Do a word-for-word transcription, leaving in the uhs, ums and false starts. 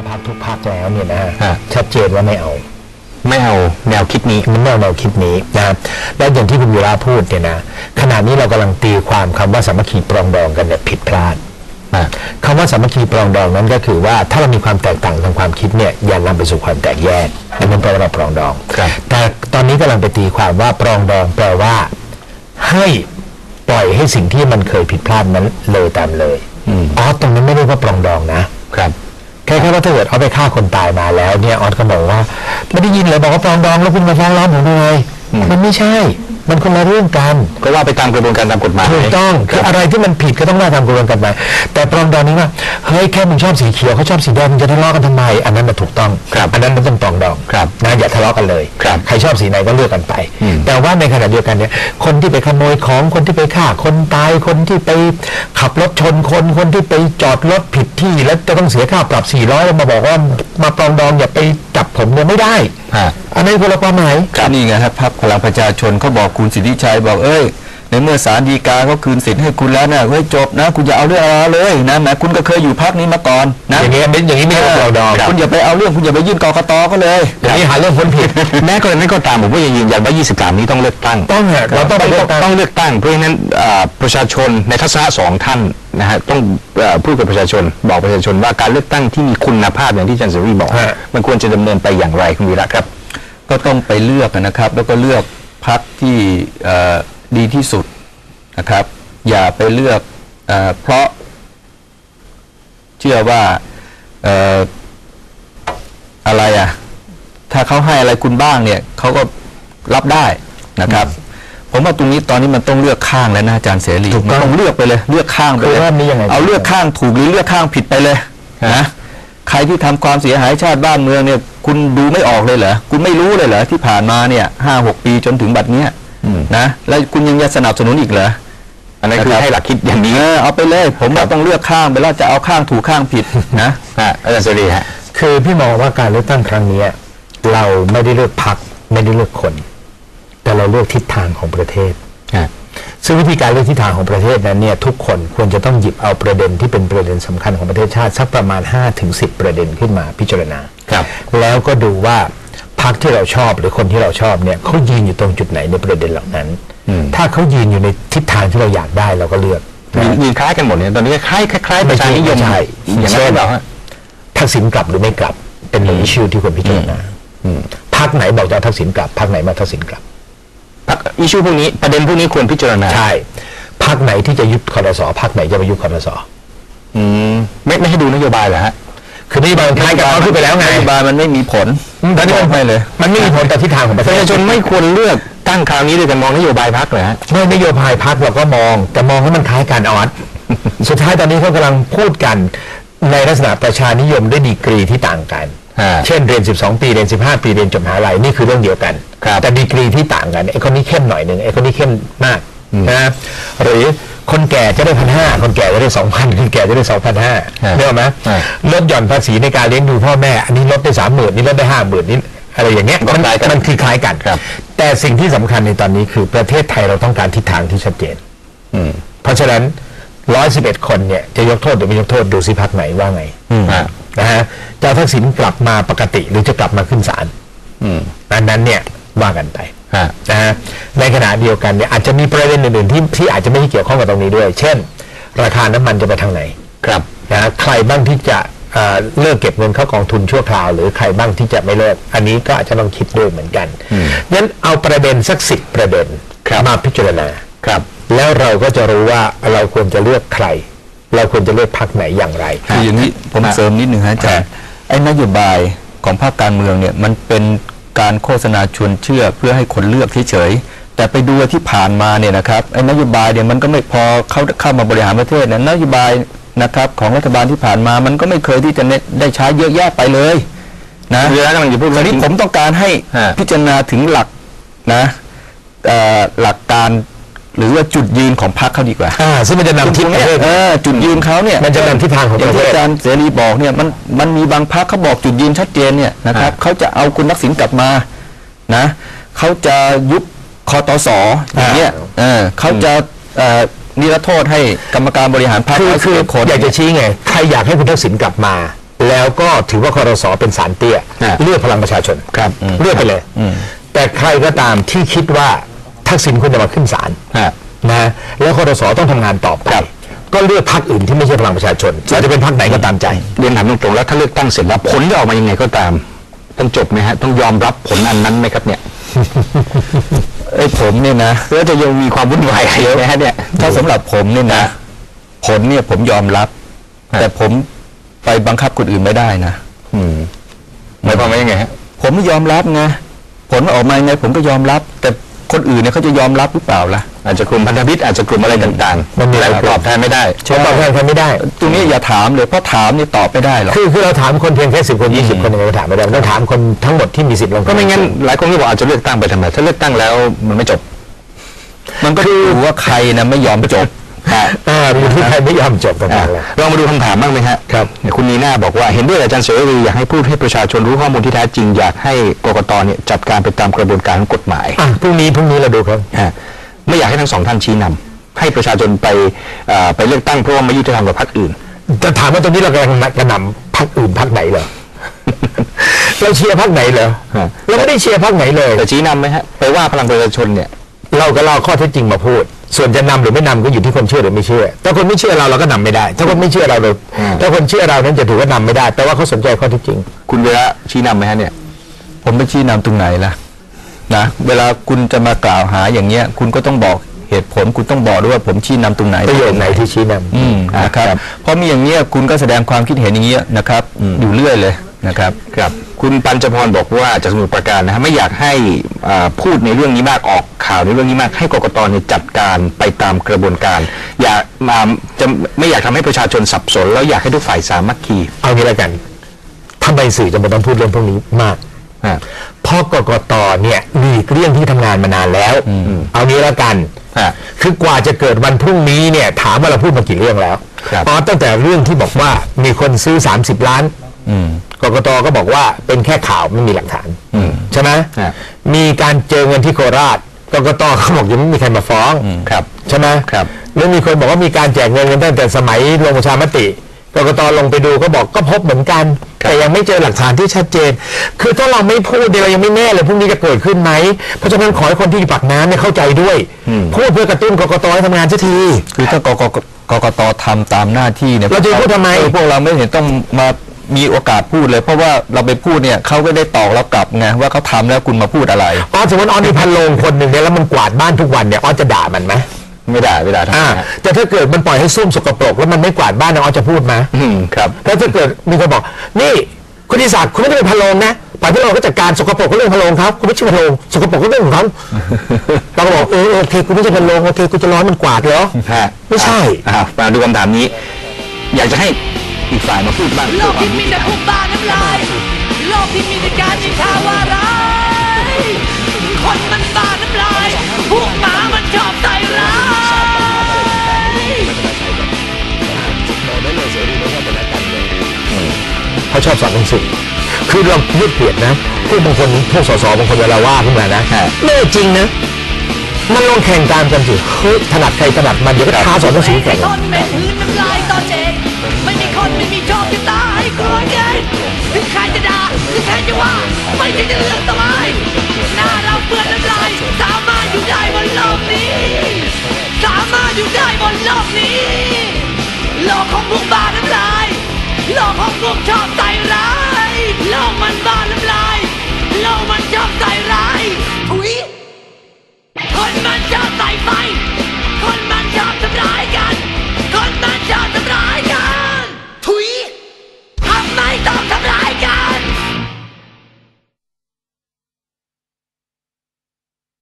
พรรคทุกพรรคแล้วเนี่ยนะฮะชัดเจนว่าไม่เอาไม่เอาแนวคิดนี้มันไม่เอาแนวคิดนี้นะและอย่างที่คุณวีระพูดเนี่ยนะขณะนี้เรากำลังตีความคำว่าสามัคคีปรองดองกันเนี่ยผิดพลาดคำว่าสามัคคีปรองดองนั้นก็คือว่าถ้าเรามีความแตกต่างทางความคิดเนี่ยอย่านำไปสู่ความแตกแยกนั่นเป็นแปลว่าปรองดองแต่ตอนนี้กำลังไปตีความว่าปรองดองแปลว่าให้ปล่อยให้สิ่งที่มันเคยผิดพลาดนั้นเลยตามเลยอ๋อตรงนั้นไม่เรียกว่าปรองดองนะครับแค่แค่ว่าถ้าเกิดเอาไปฆ่าคนตายมาแล้วเนี่ยออสก็บอกว่าไม่ได้ยินเลยบอกว่าปรองดองแล้วคุณมาฟ้องร้องผมทำไมมันไม่ใช่มันคนละเรื่องกันก็ว่าไปตามกระบวนการตามกฎหมายถูกต้องคืออะไรที่มันผิดก็ต้องว่าตามกระบวนการกฎหมายแต่ปรองดองนี้ว่าเฮ้ยแค่มึงชอบสีเขียวเขาชอบสีแดงมึงจะทะเลาะกันทำไมอันนั้นมันถูกต้องอันนั้นมันต้องปรองดองนะอย่าทะเลาะกันเลยใครชอบสีไหนก็เลือกกันไปแต่ว่าในขณะเดียวกันเนี่ยคนที่ไปขโมยของคนที่ไปฆ่าคนตายคนที่ไปขับรถชนคนคนที่ไปจอดรถผิดที่แล้วจะต้องเสียค่าปรับสี่ร้อยแล้วมาบอกว่ามาปรองดองอย่าไปจับผมเนี่ยไม่ได้อันนี้คนละความหมายนี่ไงครับพรรคพลังประชาชนเขาบอกคุณสิทธิชัยบอกเอ้ยในเมื่อศาลฎีกาเขาคืนสิทธิ์ให้คุณแล้วนะเฮ้ยจบนะคุณอย่าเอาเรื่องอะไรเลยนะแม้คุณก็เคยอยู่พรรคนี้มาก่อนนะอย่างนี้อย่างนี้ไม่ใช่ปรองดองคุณอย่าไปเอาเรื่องคุณอย่าไปยื่นกกตก็เลยอย่างนี้หาเรื่องคนผิดแม้กรณีก็ตามผมก็ยังยืนยันว่ายี่สิบสามนี้ต้องเลือกตั้งต้องเราต้องต้องเลือกตั้งเพราะฉะนั้นประชาชนในทัศนะสองท่านนะฮะต้องพูดกับประชาชนบอกประชาชนว่าการเลือกตั้งที่มีคุณภาพอย่างที่อาจารย์เสรีบอกมันควรจะดำเนินไปอย่างไรคุณวีระครับก็ต้องไปเลือกนะครับแล้วก็เลือกพรรคที่ดีที่สุดนะครับอย่าไปเลือกเอ่อเพราะเชื่อว่าเอ่ออะไรอ่ะถ้าเขาให้อะไรคุณบ้างเนี่ยเขาก็รับได้นะครับผมว่าตรงนี้ตอนนี้มันต้องเลือกข้างแล้วนะอาจารย์เสรีมันต้องเลือกไปเลยเลือกข้างไปเลยเอาเลือกข้างถูกหรือเลือกข้างผิดไปเลยนะใครที่ทำความเสียหายชาติบ้านเมืองเนี่ยคุณดูไม่ออกเลยเหรอคุณไม่รู้เลยเหรอที่ผ่านมาเนี่ยห้าหกปีจนถึงบัดนี้นะแล้วคุณยังจะสนับสนุนอีกเหรออันนั้นคือให้หลักคิดอย่างนี้เอาไปเลยผมว่าต้องเลือกข้างไปแล้วจะเอาข้างถูกข้างผิดนะอาจารย์เสรีฮะคือพี่มองว่าการเลือกตั้งครั้งนี้เราไม่ได้เลือกพรรคไม่ได้เลือกคนแต่เราเลือกทิศทางของประเทศซึ่งวิธีการเลือกทิศทางของประเทศนั้นเนี่ยทุกคนควรจะต้องหยิบเอาประเด็นที่เป็นประเด็นสำคัญของประเทศชาติสักประมาณ ห้าถึงสิบ ประเด็นขึ้นมาพิจารณาแล้วก็ดูว่าพรรคที่เราชอบหรือคนที่เราชอบเนี่ยเขายืนอยู่ตรงจุดไหนในประเด็นเหล่านั้นถ้าเขายืนอยู่ในทิศทางที่เราอยากได้เราก็เลือกยืนคล้ายกันหมดเนี่ยตอนนี้คล้ายคล้ายประชานิยมใช่อย่างนั้นเราทักษิณกลับหรือไม่กลับเป็นหนึ่งอิชชูที่ควรพิจารณาพรรคไหนบอกจะทักษิณกลับพรรคไหนมาทักษิณกลับพรรคอิชชูพวกนี้ประเด็นพวกนี้ควรพิจารณาใช่พรรคไหนที่จะยุบครสพรรคไหนจะไปยุบครสอืมไม่ไม่ให้ดูนโยบายเหรอฮะคือนโยบายคล้ายกันเขาขึ้นไปแล้วไงนโยบายมันไม่มีผลตอนนี้มันไม่เลยมันไม่มีผลต่อทิศทางของประชาชนไม่ควรเลือกตั้งคราวนี้ด้วยกันมองนโยบายพรรคเลยฮะไม่นโยบายพรรคเราก็มองแต่มองให้มันคล้ายกันออสสุดท้ายตอนนี้เขากำลังพูดกันในลักษณะประชานิยมด้วยดีกรีที่ต่างกันเช่นเรียนสิบสองปีเรียนสิบห้าปีเรียนจบมหาลัยนี่คือเรื่องเดียวกันแต่ดีกรีที่ต่างกันไอ้คนนี้เข้มหน่อยหนึ่งไอ้คนนี้เข้มมากนะหรือคนแก่จะได้พันห้าคนแก่จะได้สองพันคนแก่จะได้สองพันห้าเห็นไหมลดหย่อนภาษีในการเลี้ยงดูพ่อแม่อันนี้ลดได้สามหมื่นนี่ลดได้ห้าหมื่นนี่อะไรอย่างเงี้ยมันมันคือคล้ายกันแต่สิ่งที่สำคัญในตอนนี้คือประเทศไทยเราต้องการทิศทางที่ชัดเจนเพราะฉะนั้นร้อยสิบเอ็ดคนเนี่ยจะยกโทษหรือไม่ยกโทษดูสิพรรคไหนว่าไงนะฮะจะทักษิณกลับมาปกติหรือจะกลับมาขึ้นศาลอันนั้นเนี่ยว่ากันไปนะฮะในขณะเดียวกันเนี่ยอาจจะมีประเด็นอื่นๆที่ที่อาจจะไม่เกี่ยวข้องกับตรงนี้ด้วยเช่นราคาน้ำมันจะไปทางไหนครับนะใครบ้างที่จะเลิกเก็บเงินเข้ากองทุนชั่วคราวหรือใครบ้างที่จะไม่เลิกอันนี้ก็อาจจะต้องคิดด้วยเหมือนกันงั้นเอาประเด็นสักสิบประเด็นมาพิจารณาครับแล้วเราก็จะรู้ว่าเราควรจะเลือกใครเราควรจะเลือกพรรคไหนอย่างไรคืออย่างนี้ผมเสริมนิดหนึ่งฮะอาจารย์ไอ้นโยบายของภาคการเมืองเนี่ยมันเป็นการโฆษณาชวนเชื่อเพื่อให้คนเลือกเฉยๆแต่ไปดูที่ผ่านมาเนี่ยนะครับไอ้นโยบายเนี่ยมันก็ไม่พอเข้าเข้ามาบริหารประเทศเนี่ยนโยบายนะครับของรัฐบาลที่ผ่านมามันก็ไม่เคยที่จะได้ใช้เยอะแยะไปเลยนะทีนี้ผมต้องการให้พิจารณาถึงหลักนะหลักการหรือว่าจุดยืนของพรรคเขาดีกว่าอ่าซึ่งมันจะนำทิศประเทศจุดยืนเขาเนี่ยมันจะนำทิศทางของประเทศอาจารย์เสรีบอกเนี่ยมันมันมีบางพรรคเขาบอกจุดยืนชัดเจนเนี่ยนะครับเขาจะเอาคุณทักษิณกลับมานะเขาจะยุบคตสอย่างเงี้ยเออเขาจะนิรโทษให้กรรมการบริหารพรรคคือคืออยากจะชี้ไงใครอยากให้คุณทักษิณกลับมาแล้วก็ถือว่าครสเป็นศาลเตี้ยอ่าเลือกพลังประชาชนครับเลือกไปเลย แต่ใครก็ตามที่คิดว่าทักษิณควรจะมาขึ้นศาลฮะนะแล้วครสต้องทำงานต่อไปครับก็เลือกพรรคอื่นที่ไม่ใช่พลังประชาชนจะเป็นพรรคไหนก็ตามใจเรียนถามตรงๆแล้วถ้าเลือกตั้งเสร็จแล้วผลจะออกมายังไงก็ตาม ต้องจบไหมฮะต้องยอมรับผลอันนั้นไหมครับเนี่ยไอ้ผมเนี่ยนะแล้วจะยังมีความวุ่นวายอะไรไหมฮะเนี่ยถ้าสำหรับผมเนี่ยนะ ผลเนี่ยผมยอมรับ แต่ผมไปบังคับคนอื่นไม่ได้นะอืมหมายความว่ายังไงฮะผมไม่ยอมรับไงผลมันออกมายังไงผมก็ยอมรับ แต่คนอื่นเนี่ยเขาจะยอมรับหรือเปล่าล่ะอาจจะกลุ่มพันธมิตรอาจจะกลุ่มอะไรต่างๆมันมีหลายกลุ่มตอบแทนไม่ได้เขาตอบแทนใครไม่ได้ตรงนี้อย่าถามเลยเพราะถามนี่ตอบไม่ได้หรอกคือคือเราถามคนเพียงแค่สิบคนยี่สิบคนยังไงก็ถามไม่ได้ต้องถามคนทั้งหมดที่มีสิทธิ์ลงก็ไม่งั้นหลายคนก็บอกอาจจะเลือกตั้งไปทำไมถ้าเลือกตั้งแล้วมันไม่จบมันก็ดูว่าใครนะไม่ยอมจบอ่ามีที่ใครไม่ยอมจบกันอ่ะแล้วลองมาดูคำถามบ้างไหมฮะครับเนี่ยคุณนีน่าบอกว่าเห็นด้วยกับอาจารย์เสรีอยากให้พูดให้ประชาชนรู้ข้อมูลที่แท้จริงอยากให้กกตเนี่ยจัดการไปตามกระบวนการของกฎหมายอ่ะพรุ่งนี้พรุ่งนี้เราดูครับฮะไม่อยากให้ทั้งสองท่านชี้นำให้ประชาชนไปเอ่อไปเลือกตั้งเพราะว่าไม่ยุติธรรมกับพรรคอื่นจะถามว่าตรงนี้เรากำลังกระหน่ำพรรคอื่นพรรคไหนเหรอ เราเชียร์พรรคไหนเหรอฮะเราไม่ได้เชียร์พรรคไหนเลยแต่ชี้นำไหมฮะไปว่าพลังประชาชนเนี่ยเราก็เล่าข้อเท็จจริงมาพูด ส่วนจะนำหรือไม่นำก็อยู่ที่คนเชื่อหรือไม่เชื่อ ถ้าคนไม่เชื่อเราเราก็นำไม่ได้ ถ้าคนไม่เชื่อเราเราอืมถ้าคนเชื่อเรานั้นจะถือว่านำไม่ได้แปลว่าเขาสนใจข้อเท็จจริงคุณเวลาชี้นำไหมฮะเนี่ยผมไปชี้นำตรงไหนล่ะนะเวลาคุณจะมากล่าวหาอย่างเงี้ย คุณก็ต้องบอกเหตุผลคุณต้องบอกด้วยว่าผมชี้นำตรงไหนประโยชน์ไหนที่ชี้นำอืมนะครับครับเพราะมีอย่างเงี้ยคุณก็แสดงความคิดเห็นอย่างเงี้ยนะครับ อยู่เรื่อยเลยนะครับครับคุณปัญจพรบอกว่าจากสมุทรปราการนะฮะไม่อยากให้อ่าพูดในเรื่องนี้มากออกข่าวในเรื่องนี้มากให้กกตเนี่ยจัดการไปตามกระบวนการ อยากมาจะไม่อยากทำให้ประชาชนสับสน แล้วอยากให้ทุกฝ่ายสามัคคีเอางี้แล้วกันทำไมสื่อจำเป็นต้องพูดเรื่องพวกนี้มากฮะเพราะกกตเนี่ยหลีกเลี่ยงที่ทำงานมานานแล้ว เอางี้แล้วกันฮะคือกว่าจะเกิดวันพรุ่งนี้เนี่ยถามว่าเราพูดมากี่เรื่องแล้วครับอ๋อตั้งแต่เรื่องที่บอกว่ามีคนซื้อสามสิบล้านอืมกกตก็บอกว่าเป็นแค่ข่าวไม่มีหลักฐานใช่ไหมฮะมีการเจอเงินที่โคราชกกตเขาบอกยังไม่มีใครมาฟ้องครับใช่ไหมครับแล้วมีคนบอกว่ามีการแจกเงินกันตั้งแต่สมัยลงประชามติกกตลงไปดูก็บอกก็พบเหมือนกัน แต่ยังไม่เจอหลักฐานที่ชัดเจน คือถ้าเราไม่พูดเดี๋ยวเรายังไม่แน่เลยพรุ่งนี้จะเกิดขึ้นไหมเพราะฉะนั้นขอให้คนที่อยู่ปากน้ำเนี่ยเข้าใจด้วยพูดเพื่อกระตุ้นกกตให้ทำงานสักทีคือถ้ากกกกกตทำตามหน้าที่เนี่ยเราจะพูดทำไมเออพวกเราไม่เห็นต้องมามีโอกาสพูดเลย เพราะว่าเราไปพูดเนี่ยเขาก็ได้ตอบเรากลับไงว่าเขาทำแล้วคุณมาพูดอะไรอ๋อสมมติออนมีพันโลงคนหนึ่งเนี่ยแล้วมันกวาดบ้านทุกวันเนี่ยออนจะด่ามันไหมไม่ได้ไม่ได้ทั้งอ่านั้นฮะแต่ถ้าเกิดมันปล่อยให้ซุ่มสกปรกแล้วมันไม่กวาดบ้านเนี่ยออนจะพูดไหมอืมครับแล้วถ้าเกิดมีคนบอกนี่คุณอิศักดิ์คุณไม่ได้เป็นพะโลงนะปล่อยพะโลงก็จัดการสกปรกก็เรื่องพะโลงครับคุณไม่ใช่พะโลงสกปรกก็เรื่องของเขาเราก็บอกเออโอเคคุณไม่ใช่พะโลงโอเคคุณจะร้อนมันกวาดเหรอฮะไม่ใช่อ่ะมาดูคำถามนี้ อยากจะให้อีกฝ่ายมาพูดบ้างโลกที่มีแต่พวกบ้าน้ำลาย โลกที่มีแต่การนินทาว่าร้าย คนมันบ้าน้ำลาย พวกหมามันชอบใส่ร้ายเขาชอบสอนหนังสือคือเราเลือกเปลี่ยนนะพวกบางคนพวกสสบางคนเวลาว่าขึ้นมานะเล่จริงนะมันลงแข่งตามกันสิเฮ้ยถนัดใครถนัดมันเดี๋ยวก็ท้าสอนหนังสือแข่งไม่มีคนไม่หืนน้ำลายตอนเด็กไม่มีคนไม่มีชอบจะตายกลัวเกยถึงใครจะด่าถึงใครจะว่า ไม่ใช่เรื่องต่อไปหน้าเราเปื้อนน้ำลายสามารถอยู่ได้บนโลกนี้ สามารถอยู่ได้บนโลกนี้ โลกของพวกบ้าน้ำลาย โลกของพวกชอบใส่ร้าย โลกมันบ้าน้ำลาย โลกมันชอบใส่ร้ายอุ๊ยคนมันชอบ